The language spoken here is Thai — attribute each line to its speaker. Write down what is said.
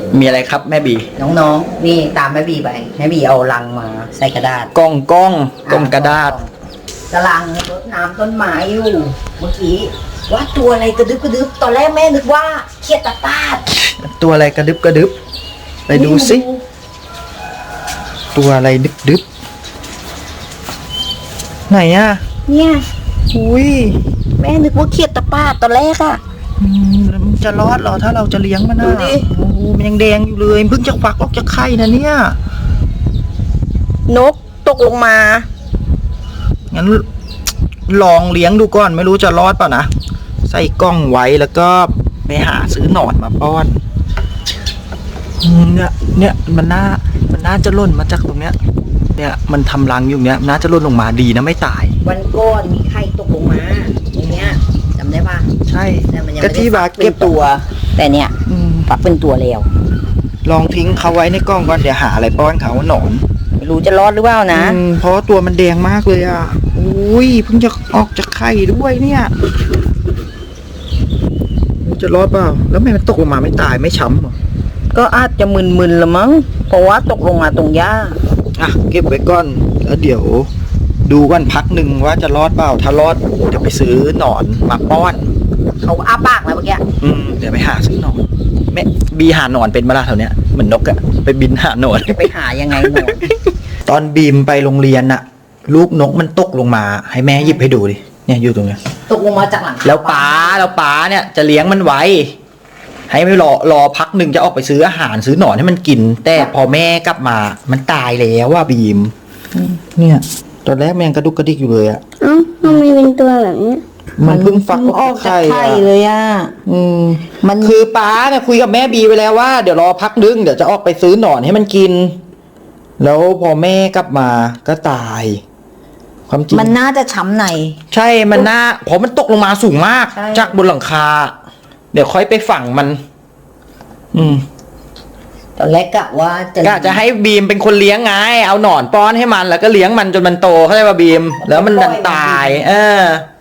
Speaker 1: มีอะไรครับแม่บี
Speaker 2: น้องๆนี่ตามแม่บีไปแม่บีเอาลังมาใส่กระดาษ
Speaker 1: กล้องกระดาษ
Speaker 2: กำลังรดน้ำต้นไม้อยู่เมื่อกี้ว่าตัวอะไรกระดึบกระดึบตอนแรกแม่นึกว่าเขียดตะปาด
Speaker 1: ตัวอะไรกระดึบไปดูสิตัวอะไรดึบไหนอ่ะ
Speaker 2: เนี่ย
Speaker 1: อุ้ย
Speaker 2: แม่นึกว่าเขียดตะปาดตอนแรกอะ
Speaker 1: แล้วมันจะรอดเหรอถ้าเราจะเลี้ยงมัน
Speaker 2: ดู
Speaker 1: อ่ะ
Speaker 2: ดิ
Speaker 1: โอ้โหมันยังแดงอยู่เลยเพิ่งจะฟักออกจากไข่นะเนี่ย
Speaker 2: นกตกลงมา
Speaker 1: งั้นลองเลี้ยงดูก่อนไม่รู้จะรอดเปล่านะใส่กล้องไว้แล้วก็ไปหาซื้อหนอนมาป้อนเนี่ยมันน่าจะหล่นมาจากตรงเนี้ยเนี่ยมันทำรังอยู่เนี้ยน่าจะหล่นลงมาดีนะไม่ตาย
Speaker 2: วันก่อนมีไข่ตกลงมาตรงเนี้ยจำได้ปะ
Speaker 1: ใช่
Speaker 2: แต่มันยัง
Speaker 1: ก็
Speaker 2: ไม่ได้
Speaker 1: ที่บา
Speaker 2: ฟัก
Speaker 1: เก็บ
Speaker 2: เป็นตัว แต่เนี่ย
Speaker 1: อืม
Speaker 2: ฟักเป็นตัวแล้ว
Speaker 1: ลองทิ้งเขาไว้ในกล้องก่อนเดี๋ยวหาอะไรป้อนเขาหนอน
Speaker 2: ไม่รู้จะรอดหรือเปล่านะ
Speaker 1: เพราะว่าตัวมันแดงมากเลยอ่ะอุ้ยเพิ่งจะออกจากไข่ด้วยเนี่ยจะรอดเปล่าแล้วทำไมมันตกลงมาไม่ตายไม่ช้ำเหรอ
Speaker 2: ก็อาจจะมึนๆละมั้งเพราะว่าตกลงมาตรงหญ้า
Speaker 1: อ่ะเก็บไว้ก่อนแล้วเดี๋ยวดูกันพักหนึ่งว่าจะรอดเปล่าถ้ารอดเดี๋ยวไปซื้อหนอนมาป้อน
Speaker 2: เขาอ้าปากแล้วเมื่อกี้
Speaker 1: เดี๋ยวไปหาซื้อหนอนแม่บีหาหนอนเป็นมาละแถวเนี้ยเหมือนนกอะไปบินหาหนอน
Speaker 2: จะไปหายังไงหนอน
Speaker 1: ตอนบีมไปโรงเรียนน่ะ ลูกนกมันตกลงมา ให้แม่หยิบให้ดูดิเนี่ยอยู่ตรงเนี้ย
Speaker 2: ตกลงมาจากหลังคา
Speaker 1: แล้วป๋าเนี่ยจะเลี้ยงมันไว้ ให้ไม่รอพักหนึ่งจะออกไปซื้ออาหารซื้อหนอนให้มันกิน แต่พอแม่กลับมา มันตายแล้วว่าบีมเนี่ยตอนแรกมันยังกระดุกกระดิกอยู่เลยอะ
Speaker 3: เอ้าทำไมเป็นตัวแบบนี้
Speaker 1: มันเพิ่งฟัก
Speaker 2: ออกจากไข่
Speaker 1: อะ
Speaker 2: เลยอ่ะ
Speaker 1: มันคือป๋าเนี่ยคุยกับแม่บีไปแล้วว่าเดี๋ยวรอพักนึงเดี๋ยวจะออกไปซื้อหนอนให้มันกิน แล้วพอแม่กลับมาก็ตาย ความจริง
Speaker 2: มันน่าจะช้ำใน
Speaker 1: ใช่มันน่าเพราะมันตกลงมาสูงมาก
Speaker 2: ใช่
Speaker 1: จากบนหลังคา เดี๋ยวค่อยไปฝังมัน
Speaker 2: ตอนแรกกะว่าจะ
Speaker 1: ก็จะให้บีมเป็นคนเลี้ยงไงเอาหนอนป้อนให้มันแล้วก็เลี้ยงมันจนมันโตเข้าใจป่ะบีม แล้วมันดันตาย เออ